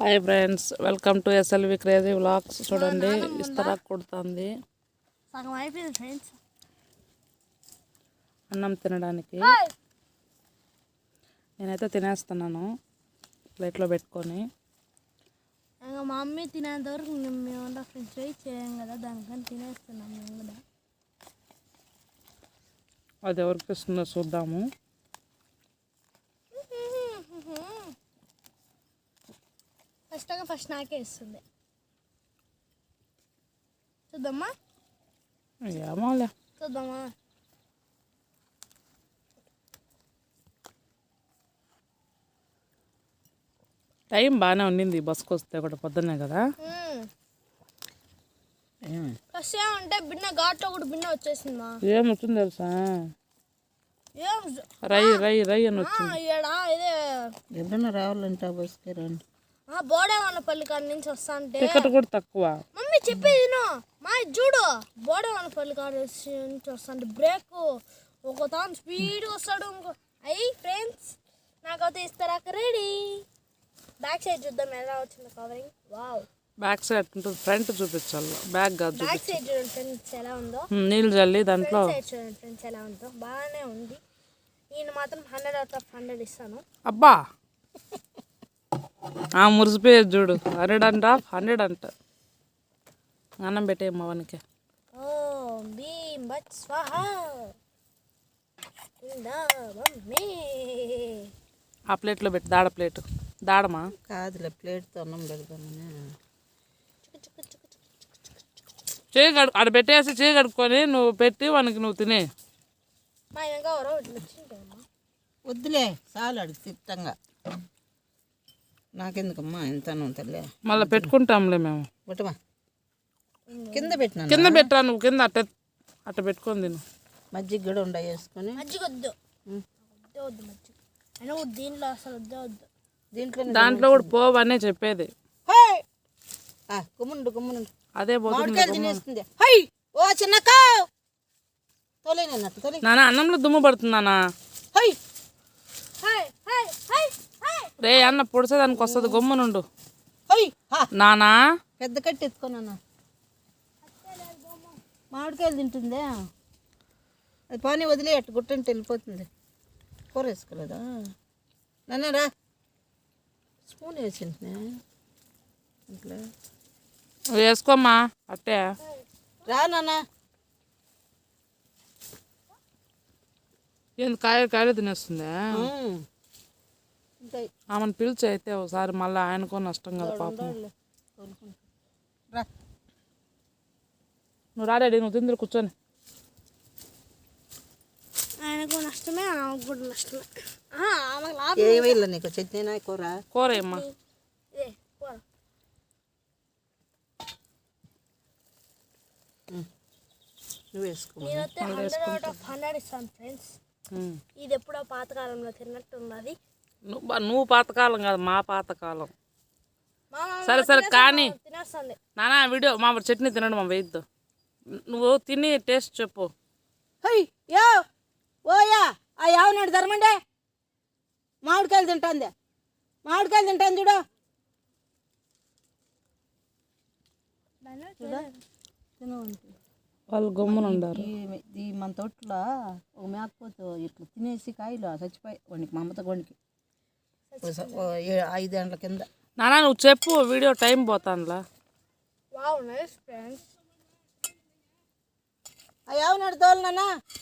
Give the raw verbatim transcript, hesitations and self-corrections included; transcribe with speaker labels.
Speaker 1: Hi friends, welcome to SLV crazy vlogs. చూడండి ఇస్తరా కొడుతుంది
Speaker 2: సగం అయిపోయింది ఫ్రెండ్స్
Speaker 1: అన్నం తినడానికి. నేనైతే తినేస్తున్నాను ప్లేట్లో పెట్టుకొని.
Speaker 2: ఇంకా మా మమ్మీ తినేంత వరకు మేము ఫ్రెండ్స్ వెయిట్ చేయం కదా, దానికని తినేస్తున్నాం మేము కూడా.
Speaker 1: అది ఎవరికి ఇస్తుందో చూద్దాము.
Speaker 2: ఫస్ట్గా ఫస్ట్ నాకే ఇస్తుంది, చూద్దామా
Speaker 1: ఏమోలే
Speaker 2: చూద్దామా.
Speaker 1: టైం బాగానే ఉండింది బస్కి వస్తే కూడా, పొద్దున్నే కదా.
Speaker 2: ఫస్ట్ ఏమంటే బిన్న ఘాట్లో కూడా బిన్న వచ్చేసిందా.
Speaker 1: ఏం వచ్చింది తెలుసా, రై రై రై అని వచ్చింది.
Speaker 2: ఇదే
Speaker 3: ఎప్పుడన్నా రావాలంటే బస్కి రండి.
Speaker 2: బోడేవన్నపల్లి కాడ నుంచి వస్తా అంటే
Speaker 1: టికెట్ కూడా తక్కువ.
Speaker 2: మమ్మీ చెప్పేది మా చూడు, బోడేవన్నపల్లి కాడ నుంచి వస్తా అంటే బ్రేక్ ఒక తాను స్పీడ్గా వస్తాడు. ఇంకో అయ్యి ఫ్రెండ్స్ నాకైతే ఇస్తారా రెడీ. బ్యాక్ సైడ్ చూద్దాం ఎలా వచ్చింది కవరింగ్. వావ్,
Speaker 1: బ్యాక్ సైడ్ ఉంటుంది, ఫ్రంట్ చూపించాలి, బ్యాక్ కాదు.
Speaker 2: బ్యాక్ సైడ్ చూడండి ఫ్రెండ్స్ ఎలా ఉందో.
Speaker 1: నీళ్ళు జల్లి దాంట్లో
Speaker 2: సైడ్ చూడండి ఫ్రెండ్స్ ఎలా ఉందో. బాగానే ఉంది. నేను మాత్రం హండ్రెడ్ అవుట్ ఆఫ్ హండ్రెడ్ ఇస్తాను.
Speaker 1: అబ్బా ఆ మురిసిపోయేది చూడు, హండ్రెడ్ అంట హండ్రెడ్ అంట. అన్నం పెట్టే మవనికి.
Speaker 2: ఓ భీం బట్ స్వాహ.
Speaker 1: ఆ ప్లేట్లో పెట్టి, దాడ ప్లేట్ దాడమా
Speaker 3: కాదులే, ప్లేట్తో అన్నం పెడతామని.
Speaker 1: చేయి కడు అక్కడ పెట్టేసి చేయి కడుక్కొని నువ్వు పెట్టి వానికి నువ్వు తినే.
Speaker 3: వద్దులే చాలు, అడిగి తిట్టంగా. నాకెందుకమ్మా ఎంత తల్లే,
Speaker 1: మళ్ళీ పెట్టుకుంటాంలే మేము.
Speaker 3: బట్టమా కింద పెట్టినా,
Speaker 1: కింద పెట్టా నువ్వు, కింద అట్ట అట్ట పెట్టుకొని తిను.
Speaker 3: మజ్జిగ కూడా ఉండ వేసుకొని.
Speaker 2: మజ్జిగ వద్దు, వద్దు మజ్జిగ అయినా దీంట్లో అసలు వద్దే వద్దు.
Speaker 3: దీంట్లో
Speaker 1: దాంట్లో కూడా పోవు అనే చెప్పేది.
Speaker 3: గుమ్ముండు గుమ్ముండు
Speaker 1: అదే పోతుంది.
Speaker 3: తినేస్తుంది. హై ఓ చిన్నక్క తోలేనట్టు తోలే.
Speaker 1: నానా అన్నంలో దుమ్ము పడుతుంది నానా.
Speaker 3: హై
Speaker 1: రే అన్న పొడిసేదానికి వస్తుంది, గమ్మునుండు
Speaker 3: హై
Speaker 1: నానా.
Speaker 3: పెద్ద కట్టి ఎత్తుకోనన్నా, మామిడికాయలు తింటుందే. అది పానీ వదిలే, అట్టు గుట్టంటే వెళ్ళిపోతుంది. కూర వేసుకోలేదా నాన్న? రా స్పూన్ వేసింది ఇంట్లో,
Speaker 1: వేసుకోమ్మా అట్టే.
Speaker 3: రా నాన్న.
Speaker 1: ఏంది కాయలు కాయలు తినేస్తుందా?
Speaker 3: ఉంటాయి.
Speaker 1: ఆమెను పిలిచి అయితే ఒకసారి, మళ్ళీ ఆయనకో నష్టం కదా పాపం.
Speaker 3: రా
Speaker 1: నువ్వు రాడాడి, నువ్వు తిందరు కూర్చొని.
Speaker 2: ఆయనకు నష్టమే, ఆమెకు కూడా నష్టమే.
Speaker 3: ఏమైనా నీకు చట్నీనా కూర?
Speaker 1: కూర ఏమ్మా.
Speaker 3: నువ్వు వేసుకో.
Speaker 2: నేనైతే హండ్రెడ్ అవుట్ ఆఫ్ హండ్రెడ్ ఇస్తాను ఫ్రెండ్స్. ఇది ఎప్పుడో పాతకాలంలో తిన్నట్టు ఉన్నది.
Speaker 1: నువ్వు నువ్వు పాతకాలం కాదు, మా పాతకాలం. సరే సరే కానీ
Speaker 2: తినేస్తుంది
Speaker 1: నానా, వీడియో మా చట్నీ తినడం మా వేయద్దు. నువ్వు తిని టేస్ట్ చెప్పు.
Speaker 3: హై యో ఓయా ఆ యావనాడు ధర్మండే, మామిడికాయలు తింటాంది, మామిడికాయలు తింటాను చూడు.
Speaker 1: వాళ్ళు గమ్మున ఉండారు.
Speaker 3: ఈ మన తోటలో ఒక మేకపోతు ఇట్లా తినేసి కాయలు చచ్చిపోయి వాడికి, మా అమ్మతో వాడికి ఐదు గంటల కింద.
Speaker 1: నానా నువ్వు చెప్పు, వీడియో టైం పోతానులా.
Speaker 2: Wow nice friends.
Speaker 3: ఆ యావనాడు తోలు నాన్న.